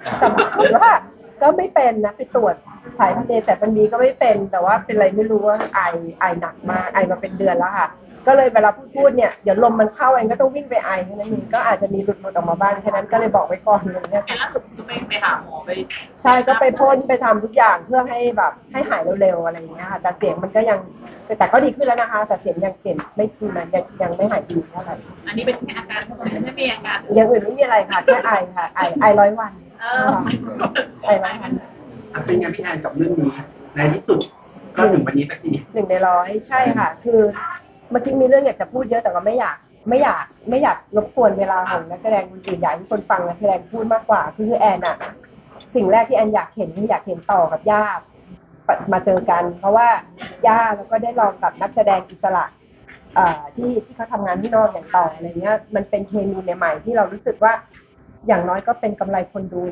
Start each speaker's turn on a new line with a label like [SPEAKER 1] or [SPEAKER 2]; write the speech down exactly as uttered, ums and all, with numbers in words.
[SPEAKER 1] แต่ปรากฏว่าก็ไม่เป็นนะไปตรวจสายพันธุ์เอแต่มันมีก็ไม่เป็นแต่ว่าเป็นอะไรไม่รู้ว่าไอไอหนักมากไอมาเป็นเดือนแล้วค่ะก็เลยเวลาพูดพูดเนี่ยเดี๋ยวลมมันเข้าเองก็ต้องวิ่งไปไอแค่นั้นเองก็อาจจะมีหลุดหลุดออกมาบ้างแค่นั้นก็เลยบอกไว้ก่อนเลยเนี่ย
[SPEAKER 2] เห็นล่าสุดก็ไปไปหาหมอไป
[SPEAKER 1] ใช่ก็ไปพ่นไปทำทุกอย่างเพื่อให้แบบให้หายเร็วๆอะไรอย่างเงี้ยค่ะแต่เสียงมันก็ยังแต่ก็ดีขึ้นแล้วนะคะแต่เสียงยังเปลี่ยนไม่ดีนะยังยังไม่หายดีเท่าไหร่
[SPEAKER 2] อันนี้เป็นแค่อาการไม่มีอาการ
[SPEAKER 1] อย่างอื่นไม่มีอะไรค่ะแค่ไอค่ะไอไอร้อยวัน
[SPEAKER 2] เออ
[SPEAKER 1] ไอร้อยวัน
[SPEAKER 3] เป็นไงพี่แอนกับเรื่องนี้ในที่สุดก็ถึงวันนี้สักที
[SPEAKER 1] หนึ่งในร้อยใช่ค่ะคือเมื่อกี้มีเรื่องอยากจะพูดเยอะแต่ก็ไม่อยากไม่อยากไม่อยากรบกวนเวลาของนักแสดงคนอื่นอยากให้คนฟังนักแสดงพูดมากกว่าคือแอนอะสิ่งแรกที่แอนอยากเห็นคืออยากเห็นต่อกับย่ามาเจอกัน เพราะว่าย่าแล้วก็ได้ลองกับนักแสดงอิสระที่ที่เขาทำงานที่นอกอย่างต่ออะไรเงี้ยมันเป็นเคมีใหม่ๆที่เรารู้สึกว่าอย่างน้อยก็เป็นกำไรคนดู